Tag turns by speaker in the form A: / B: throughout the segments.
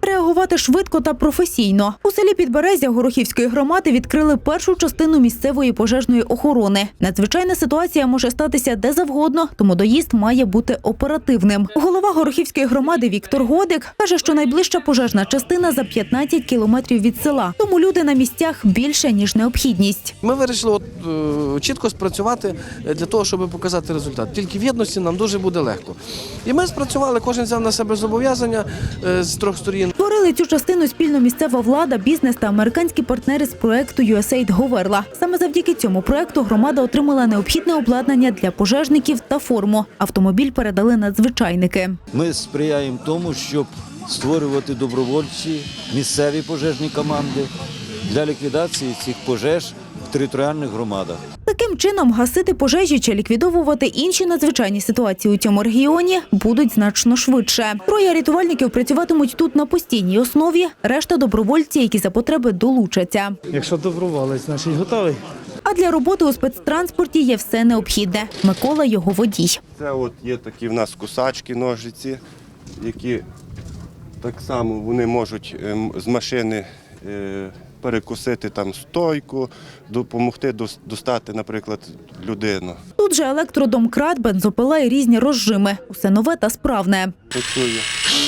A: Реагувати швидко та професійно. У селі Підберезя Горохівської громади відкрили першу частину місцевої пожежної охорони. Надзвичайна ситуація може статися де завгодно, тому доїзд має бути оперативним. Голова Горохівської громади Віктор Годик каже, що найближча пожежна частина за 15 кілометрів від села. Тому люди на місцях більше, ніж необхідність.
B: Ми вирішили чітко спрацювати для того, щоб показати результат. Тільки в єдності нам дуже буде легко. І ми спрацювали, кожен взяв на себе зобов'язання з трьох сторін.
A: Створили цю частину спільно місцева влада, бізнес та американські партнери з проекту USAID Говерла. Саме завдяки цьому проекту громада отримала необхідне обладнання для пожежників та форму. Автомобіль передали надзвичайники.
C: Ми сприяємо тому, щоб створювати добровольчі місцеві пожежні команди для ліквідації цих пожеж в територіальних громадах.
A: Таким чином, гасити пожежі чи ліквідовувати інші надзвичайні ситуації у цьому регіоні будуть значно швидше. Троє рятувальників працюватимуть тут на постійній основі, решта – добровольці, які за потреби долучаться.
D: Якщо доброволець, значить готовий.
A: А для роботи у спецтранспорті є все необхідне. Микола – його водій.
E: Це от є такі в нас кусачки, ножиці, які так само вони можуть з машини перекусити там стойку, допомогти достати, наприклад, людину.
A: Тут же електродомкрат, бензопила і різні розжими. Усе нове та справне.
E: Працює.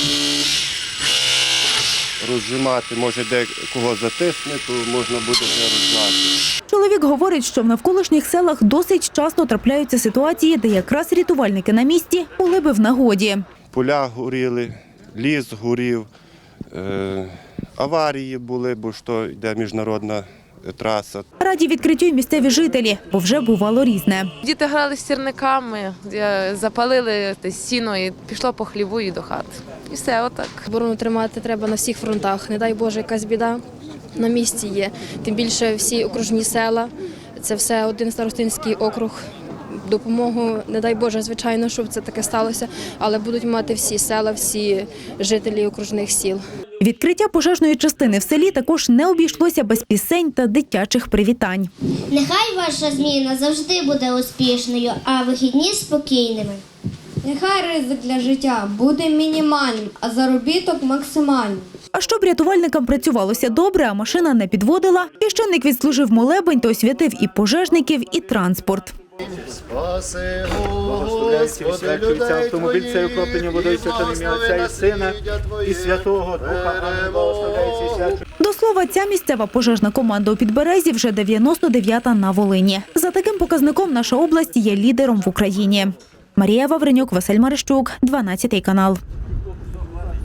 E: Розжимати, може декого затисне, то можна буде не розжати.
A: Чоловік говорить, що в навколишніх селах досить часто трапляються ситуації, де якраз рятувальники на місці були би в нагоді.
E: Поля горіли, ліс горів, аварії були, бо ж то йде міжнародна траса.
A: Раді відкриттю й місцеві жителі, бо вже бувало різне.
F: Діти грали з сірниками, запалили сіно і пішло по хліву і до хати. І все, отак.
G: Оборону тримати треба на всіх фронтах. Не дай Боже, якась біда на місці є. Тим більше всі окружні села, це все один старостинський округ. Допомогу, не дай Боже, звичайно, щоб це таке сталося, але будуть мати всі села, всі жителі окружних сіл.
A: Відкриття пожежної частини в селі також не обійшлося без пісень та дитячих привітань.
H: Нехай ваша зміна завжди буде успішною, а вихідні – спокійними.
I: Нехай ризик для життя буде мінімальним, а заробіток максимальним.
A: А щоб рятувальникам працювалося добре, а машина не підводила, священник відслужив молебень та освятив і пожежників, і транспорт.
J: Спаси, Господи, людей
D: автомобіль цей окроплений водою святим ім'я Отця і Сина і Святого Духа.
A: До слова, ця місцева пожежна команда у Підберезі вже 99-та на Волині. За таким показником наша область є лідером в Україні. Марія Вавренюк, Василь Марищук, 12 канал.